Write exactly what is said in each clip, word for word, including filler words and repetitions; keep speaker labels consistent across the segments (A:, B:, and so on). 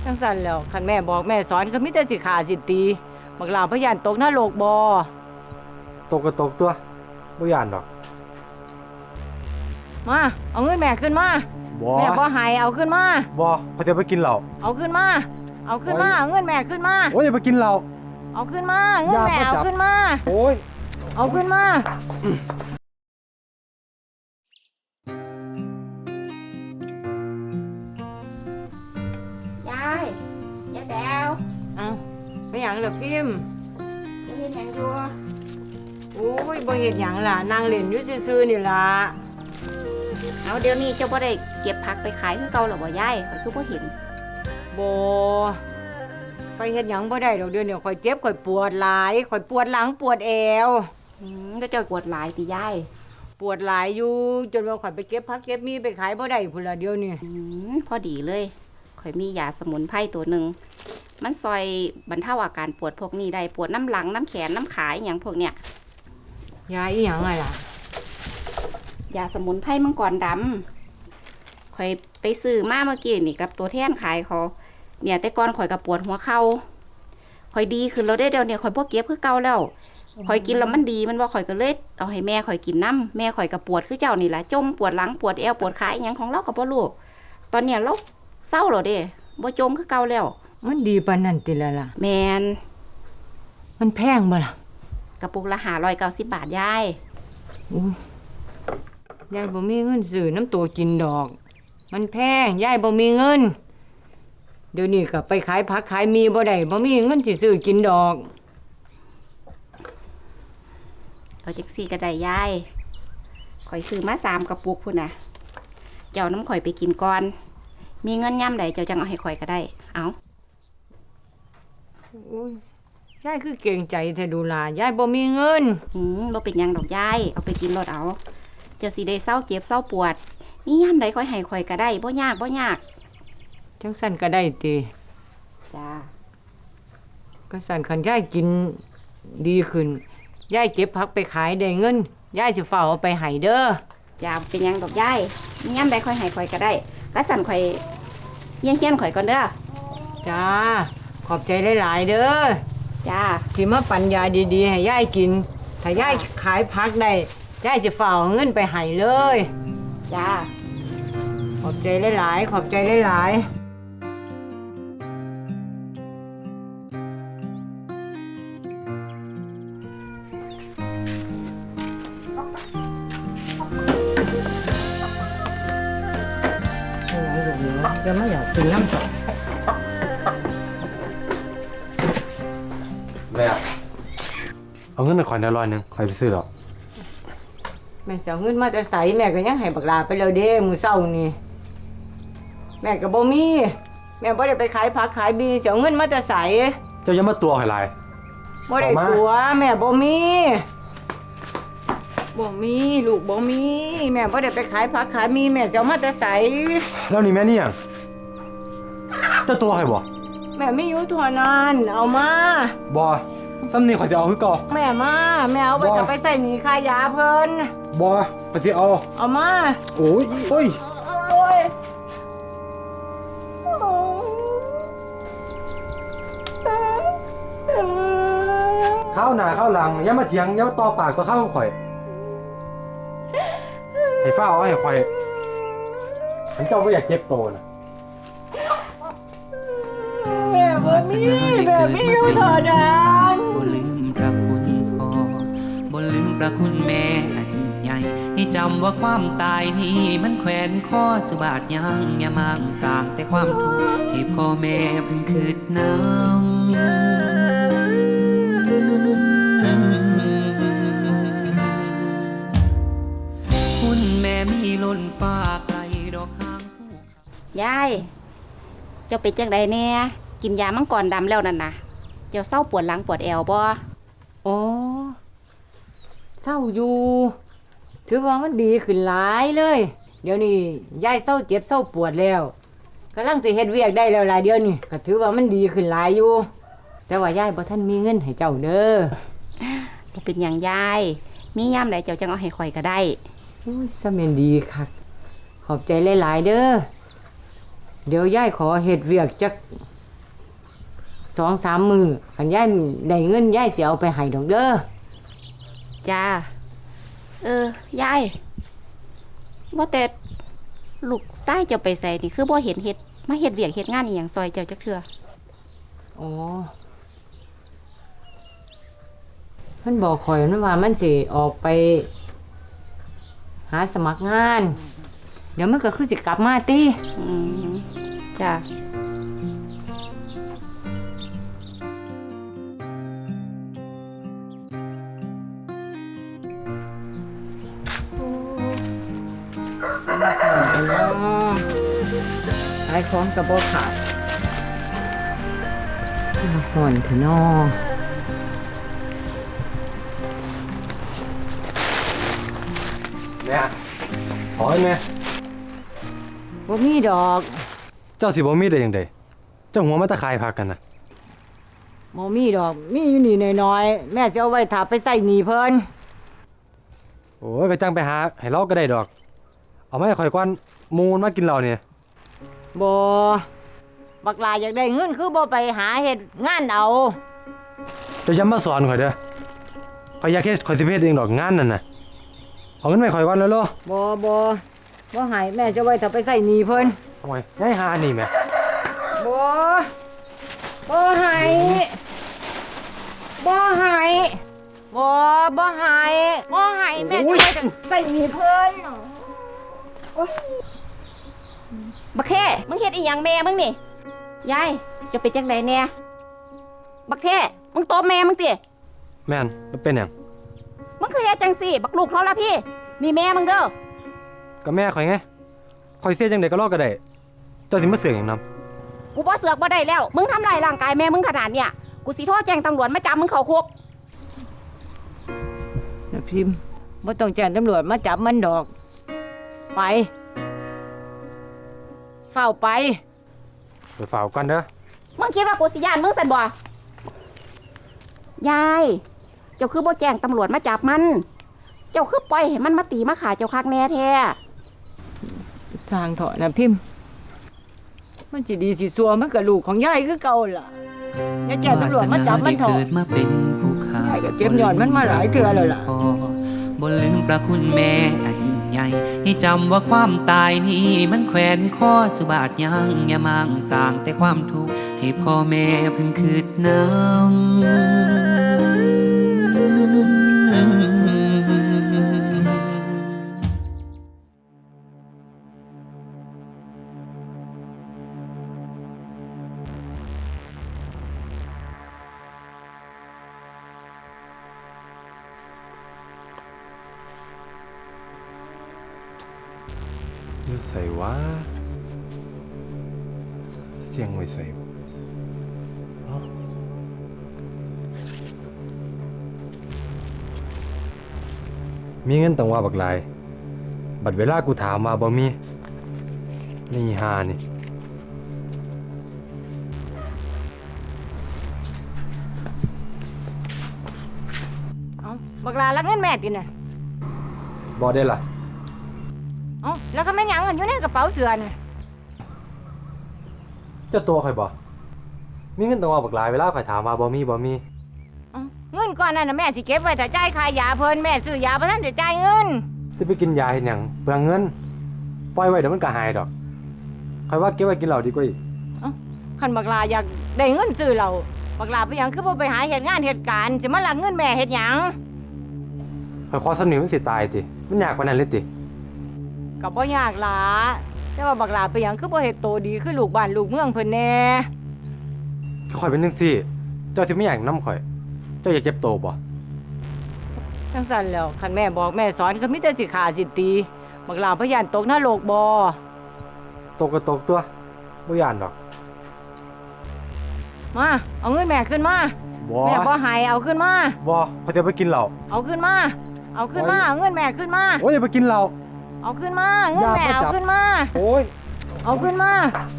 A: จังสั่นแล้วคันแม่บอกแม่สอนก็มีแต่สิขาสิตีบักหลาพยานตกนรกบ่
B: ตกก็ตกตัวบ่ย่านดอก
A: มาเอาเงินแม่ขึ้นมา
B: บ่
A: แม่บ่ให้เอาขึ้นมา
B: บ่เขาจะไปกินเหล้า
A: เอาขึ้นมาเอาขึ้นมาเอาเงินแม่ขึ้นมา
B: โอ้ยไปกินเหล้า
A: เอาขึ้นมาเงินแม่เอาขึ้นมา
B: โอ้ย
A: เอาขึ้นม
C: ายายยายแต๋ว
A: เอาไปหยังล่ะพิมพ์
C: จะเห็นหยังอยู่
A: โอ้ยบ่เฮ็ดหยังล่ะนั่งเล่นอยู่ซื่อๆนี่ล่ะ
C: เอาเดี๋ยวนี้เจ้าบ่ได้เก็บผักไปขายคือเก่าหรอบ่ยายข่อยคือบ่เห็น
A: บ่ไปเฮ็ดหยังบ่ได้ดอกเดี๋ยวนี้ข่อยเจ็บข่อยปวดหลายข่อยปวดหลังปวดแอว
C: อืมก็เจ้าปวดหลายติยาย
A: ปวดหลายอยู่จนว่าข่อยไปเก็บผักเก็บมีไปขายบ่ได้พุ่นล่ะเดี๋ยวนี้
C: อืมพอดีเลยข่อยมียาสมุนไพรตัวหนึ่งมันซอยบรรเทาอาการปวดพวกนี้ได้ปวดน้ำหลังน้ำแขนน้ำขาอหย่างพวกเนี้ย
A: ยาอีหยังไงล่ะ
C: ยาสมุนไพรมังกรดำข่อยไปซื้อมาเมื่อกี้นี่กับตัวแทนขายเขาเนี่ยแต่ก่อนข่อยกับปวดหัวเข่าข่อยดีขึ้นแล้วได้เดี๋ยวเนี่ยข่อยพวกเก็บคือเก่าแล้วข่อยกินแล้วมันดีมันว่าข่อยก็เลยเอาให้แม่ข่อยกินน้ำแม่ข่อยกับปวดคือเจ้านี่แหละจมปวดหลังปวดแอวปวดขาอหย่างของเรากับพ่อลูกตอนเนี้ยเราเศร้าหรอเด้บ่จมคือเก่าแล้ว
A: มันดีปานนั้นติละล่ะ
C: แมน
A: มันแพงบ่ล่ะ
C: กระปุกละห้าร้อยเก้าสิบบาทยาย
A: อุ้ยยายบ่มีเงินซื้อน้ำตัวกินดอกมันแพงยายบ่มีเงินเดี๋ยวนี้ก็ไปขายผักขายมีบ่ได้บ่มีเงินสิซื้อกินดอก
C: เอาจักซี่ก็ได้ยายข่อยซื้อมาสามกระปุกพุ่นน่ะเจ้าน้ำข่อยไปกินก่อนมีเงินย่ำใดเจ้าจังเอาให้ข่อยก็ได้เอา
A: อุ้ยยายคือเก่งใจแท้ดูล่ะยายบ่มีเงิน
C: อืมบ่เป็นหยังดอกยายเอาไปกินรถเอาเจ้าสิได้เศร้าเจ็บเศร้าปวดนี่ย่ำใดค่อยให้ข่อยก็ได้บ่ยากบ่ยาก
A: จังสั่นก็ได้ติ
C: จ้า
A: ก็สั่นคันยายกินดีขึ้นยายเก็บผักไปขายได้เงินยายสิเฝ้าเอาไปให้เด้อ
C: จ้าเป็นหยังดอกยายนี่ย่ำใดค่อยให้ข่อยก็ได้ก็สั่นข่อยเฮี้ยนเฮี้ยนข่อยก่อนเด้อ
A: จ้าขอบใจหลายๆเด้อ
C: จ้า
A: ที่มาปัญญาดีๆให้ยายกินถ้ายายขายผักได้ยายจะเฝ้าเอาเงินไปให้เลย
C: จ้า
A: ขอบใจหลายๆขอบใจหลายๆเดี๋ยวไม่อยากกินน้ำตก
B: แม่เอาเงินมาขอยหน่อยร้อยหนึ่งขอยไปซื้อหรอก
A: แม่เสียเงินมาแต่ใสแม่ก็ยังให้บักลาไปแล้วเด้มื้อเช้านี่แม่ก็บ่มีแม่บ่ได้ไปขายผักขายบีเสียเงินมาแต่ใส
B: เจ้าอย่ามาตัวให้หลาย
A: บ่ได้ตัวแม่บ่มีบ่มีลูกบ่มีแม่บ่ได้ไปขายผักขายมีแม่จะเอามาแต่ใส
B: แล้วนี่แม่นี่หยังเจ้าตัวให้บ่
A: แม่ไม่อยู่เท่านั้นเอามา
B: บ่ซ้ำนี่ข่อยจะเอาคือเก่า
A: แม่มาแม่เอาไปจะไปใส่หนีค่ายาเพิ่น
B: บ่ข่อยสิเอา
A: เอามา
B: โอ้ยโอ้ย
A: โอ้ย
B: ข้าวหน้าข้าวหลังอย่ามาเถียงอย่ามาต่อปากต่อข้าวข่อยให้ฟ้าเอาให้ข่อยฉันเจ้าบ่อยากเจ็บโตนะ
A: แม่บ่มีแม่มีอยู่เท่านั้น
D: บ่ลืมพระคุณพ่อบ่ลืมพระคุณแม่อันใหญ่ให้จำว่าความตายนี้มันแขวนคอสุบาทยังอย่ามังสร้างแต่ความทุกข์ให้พ่อแม่เพิ่งคืดน้ำคุณแม่มีล้นฟ้าไกลดอกหาง
C: ยายเจ้าเป็นจังใดแน่กินยามังกรดำแล้วนั่นนะเจ้าเศร้าปวดหลังปวดแอวบ่
A: อ๋อเศร้าอยู่ถือว่ามันดีขึ้นหลายเลยเดี๋ยวนี้ยายเศร้าเจ็บเศร้าปวดแล้วกำลังสิเฮ็ดเวียกได้แล้วหลายเดี๋ยวนี้ก็ถือว่ามันดีขึ้นหลายอยู่แต่ว่ายายบ่ทันมีเงินให้เจ้าเด้อ
C: บ่เป็นหยังยายมียามใดเจ้าจังเอาให้ข่อยก็ได้
A: อุ้ยซะแม่นดีคักขอบใจหลายๆเด้อเดี๋ยวยายขอเฮ็ดเวียกจักสองสามมือคันยายได้เงินยายสิเอาไปให้ดอกเด้อ
C: จ้า เออยายว่าแต่ลูกชายเจ้าไปใส่นี่คือบ่เห็นเฮ็ดมาเฮ็ดเวียกเฮ็ดงานอีหยังซอยเจ้าจักเทื่อ
A: อ๋อมันบอกข่อยมันว่ามันสิออกไป หาสมัครงาน เดี๋ยวมันก็คือสิกลับมาติ
C: อืมจ้า
A: ขายของกับบ่ขาดห่อนเถอะน้อ
B: แม่ขอให้แม่
A: บ่มีดอก
B: เจ้าสิบ่มีได้ยังไดเจ้าหัวมาตะคายพักกันนะ
A: บ่มีดอก มีอยู่นี่น้อยๆแม่สิเอาไว้ถ้าไปใส่หนี้เพิ่น
B: โอ้ยก็จังไปหาให้เราก็ได้ดอก เอามาให้ข่อยก่อนหมูมันมากินเราเนี่ย
A: บ่บักหลาอยากได้เงินคือบ่ไปหาเฮ็ดงานเอา
B: เจ้าอย่ามาสอนข่อยเด้อข่อยอยากเฮ็ดข่อยสิไปเฮ็ดเองดอกงานนั่นน่ะเอาเงินไปข่อยก่อนแล้วโล
A: บ่บ่บ่ให้แม่จะไว้ถ้าไปใส่หนี้เพิ่น
B: ทำไมยายหานี่แม่
A: บ่บ่ให้บ่ให้บ่บ่ให้บ่ให้แม่จะไว้ถ้าใส่หนี้เพิ่น
C: บักเท่มึงเฮ็ดอีหยังแม่มึงนี่ยายจะเป็นจังไดแน่บักเท่มึงตบแม่มึงติ
B: แม่นมันเป็นหยัง
C: มึงคือเฮ็ดจังซี่บักลูกทรพี่ นี่แม่มึงเด้อ
B: ก็แม่ข่อยไงข่อยเสียจังไดก็รอก็ได้เจ้าสิมาเสือกหยังนำ
C: กูบ่เสือกบ่ได้แล้ว มึงทำลายร่างกายแม่มึงขนาดเนี้ยกูสิโทรแจ้งตำรวจมาจับมึงเข้าคุก
A: นะพิมพ์บ่ต้องแจ้งตำรวจมาจับมันดอก ไปเฝ้าไป
B: ไปฝ่าวกันเด้อ
C: มึงคิดว่ากูสิย่านมึงสั่นบ่ยายเจ้าคือบ่แจ้งตำรวจมาจับมัน เจ้าคือปล่อยให้มันมาตีมาขาเจ้าคักแน่แท้
A: สร้างเถอะนะพิมพ์ มันสิดีสิซัวมันกับลูกของยายคือเก่าล่ะอย่าแจ้งตำรวจมาจับมันเถอะ
D: วาสนาได้เกิดมาเป็นผู้ข้าย
A: ายก็เก็บยอดมันมาหลายเทื่อแล้วล่ะ
D: บ่ลืมประคุณแม่อันยิ่งใหญ่ให้จำว่าความตายนี้มันแขวนคอสุบาทยังอย่ามั่งสร้างแต่ความทุกข์ให้พ่อแม่เพิ่งคืดน้ำ
B: อยู่ใส่วะเสียงไว้ใส่วะเอ้ามีเงินตั้งว่าบักหลาย บัดเวลากูถามมาบ่มี นี่หานี่
A: เอ้าบักลาลักเงินแม่ติน่ะ
B: บ่ได้ล่ะ
A: เอ้าแล้วก็แม่นหยังกันอยู่ในกระเป๋าเสื้อน่ะ
B: เจ้าตัวข่อยบ่มีเงินตั้งว่าบักหลายเวลาข่อยถามมาบ่มีบ่มี
A: เอ้าเงินก้อนนั้นน่ะแม่สิเก็บไว้แต่จ่ายค่ายาเพิ่นแม่ซื้อยาบ่ทันได้จ่ายเงิน
B: จะไปกินยาเฮ็ดหยังเปลืองเงิน ปล่อยไว้เดี๋ยวมันก็หายดอกข่อยว่าเก็บไว้กินเหล้าดีกว่าอีก
A: คันบักลาอยากได้เงินซื้อเหล้าบักลาไปหยังคือบ่ไปหาเฮ็ดงานเฮ็ดการสิมาลักเงินแม่เฮ็ดหยัง
B: ข่อยขอสำนีมันสิตายติ มันยากปานนั้นเลยติ
A: ก็บ่ยากหลาแต่ว่าบักลาไปหยังคือบ่เฮ็ดโตดีคือลูกบ้านลูกเมืองเพิ่นแน่
B: ข่อยเป็นจังซี่ เจ้าสิไม่อยากนำข่อย เจ้าอยากเจ็บโตบ่
A: จังซั่นแล้วคันแม่บอกแม่สอนก็มีแต่สิฆ่าสิตีบักลาพยานตกนรกบ่
B: ตกก็ตกตัวบ่ย่านดอก
A: มาเอาเงินแม่ขึ้นมา
B: บ่
A: แม่บ่ให้เอาขึ้นมา
B: บ่ข่อยจะไปกินเหล้า
A: เอาขึ้นมา เอาขึ้นมาเอาเงินแม่ขึ้นมา
B: โอ้ยอย่าไปกินเหล้า
A: เอาขึ้นมาเงินแม่
B: อย่ามาจั
A: เอา
B: บ
A: ขึ้นมา
B: โอ้ย
A: เอาขึ้นมา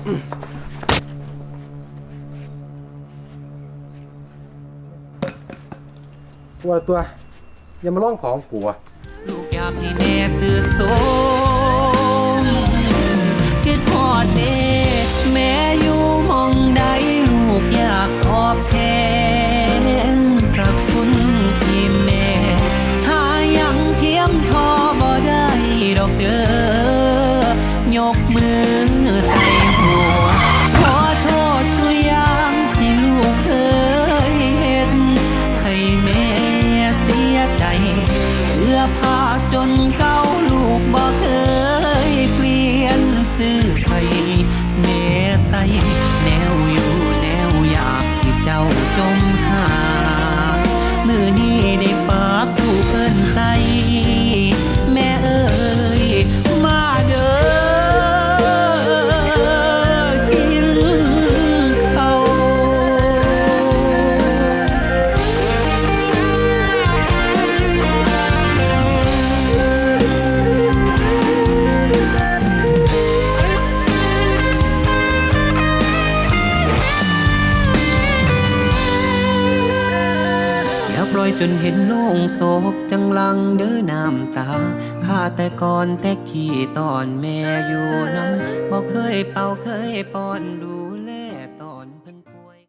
B: ตัวตัว อย่ามาล่องของกูอะ
D: ลูกอยากให้แม่สื่อสมคือทอดเด้แม่อยู่หมองใดลูกอยากกอแน่ใสแนวอยู่แนวอยากที่เจ้าจมหามือนี้ได้ปากถูกเอิ้นใส่แม่เอ้ยมาเด้อกินข้าว อย่าปล่อยจนเห็นโล่งโศกจังลังเด้อน้ำตาข้าแต่ก่อนแต่ขี้ตอนแม่อยู่น้ำบอกเคยเป่าเคยป้อนดู